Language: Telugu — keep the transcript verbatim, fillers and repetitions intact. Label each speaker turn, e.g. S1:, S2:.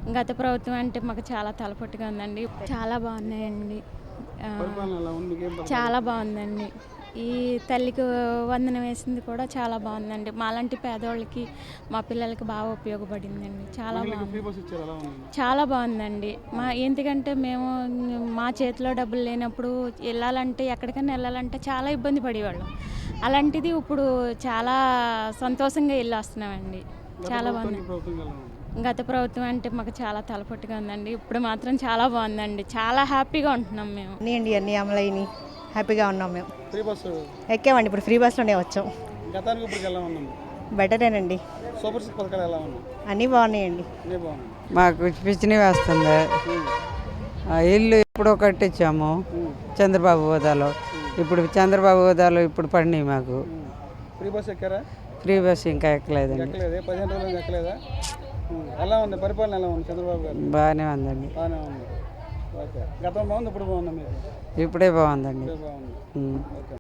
S1: గత ప్రభుత్వం అంటే మాకు చాలా తలపట్టుగా ఉందండి. చాలా బాగున్నాయండి. ఆ,
S2: పరిపాలన ఎలా ఉంది? మీకేం పథకాలు
S1: చాలా
S2: వచ్చాయి?
S1: బాగుందండి. ఈ తల్లికి వందనం వేసింది కూడా చాలా బాగుందండి. మాలాంటి పేదోళ్ళకి మా పిల్లలకి బాగా ఉపయోగపడిందండి. చాలా
S2: మహిళలకు ఫ్రీ
S1: బాగుంది.
S2: బస్ ఇచ్చారు, ఎలా ఉంది?
S1: చాలా బాగుందండి. మా ఎందుకంటే మేము మా చేతిలో డబ్బులు లేనప్పుడు వెళ్ళాలంటే ఎక్కడికైనా వెళ్ళాలంటే చాలా ఇబ్బంది పడేవాళ్ళం. అలాంటిది ఇప్పుడు చాలా సంతోషంగా వెళ్ళి వస్తున్నామండి.
S2: గత
S1: చాలా
S2: ప్రభుత్వానికి
S1: బాగుంది.
S2: ఈ ప్రభుత్వం ఎలా ఉంది?
S1: గత ప్రభుత్వం అంటే మాకు చాలా తలపట్టుగా ఉందండి. ఇప్పుడు మాత్రం చాలా బాగుందండి. చాలా హ్యాపీగా ఉంటున్నాం మేము.
S3: అన్నీ అండి అన్నీ అమలైనవి, హ్యాపీగా ఉన్నాం మేము.
S2: ఫ్రీ బస్సు
S3: ఎక్కామండి, ఇప్పుడు ఫ్రీ బస్లోనే వచ్చాం.
S2: గతానికి ఇప్పటికి ఎలా ఉన్నాము?
S3: బెటరేనండి,
S2: సూపర్ సిక్స్ పథకాలు ఎలా ఉన్నాయి?
S3: అన్నీ బాగున్నాయండి.
S2: అన్నీ బాగున్నాయి.
S4: మాకు పిచ్చిని వేస్తుంది. ఆ ఇల్లు ఎప్పుడో కట్టించాము చంద్రబాబు హోదాలో. ఇప్పుడు చంద్రబాబు హోదాలో ఇప్పుడు పడినాయి మాకు.
S2: ఫ్రీ బస్ ఎక్కారా?
S4: ఫ్రీ బస్ ఇంకా ఎక్కలేదండి.
S2: ఎక్కలేదే, పదిహేను రోజులు ఎక్కలేదా? ఉం. ఎలా ఉంది పరిపాలన? ఎలా ఉంది చంద్రబాబు గారు?
S4: బాగానే ఉందండి.
S2: బాగానే ఉంది. ఓకే. గతం బాగుంది, ఇప్పుడు బాగుందా మీకు?
S4: ఇప్పుడే బాగుందండి.
S2: ఇప్పుడే బాగుంది.
S4: ఉం.
S2: ఓకే.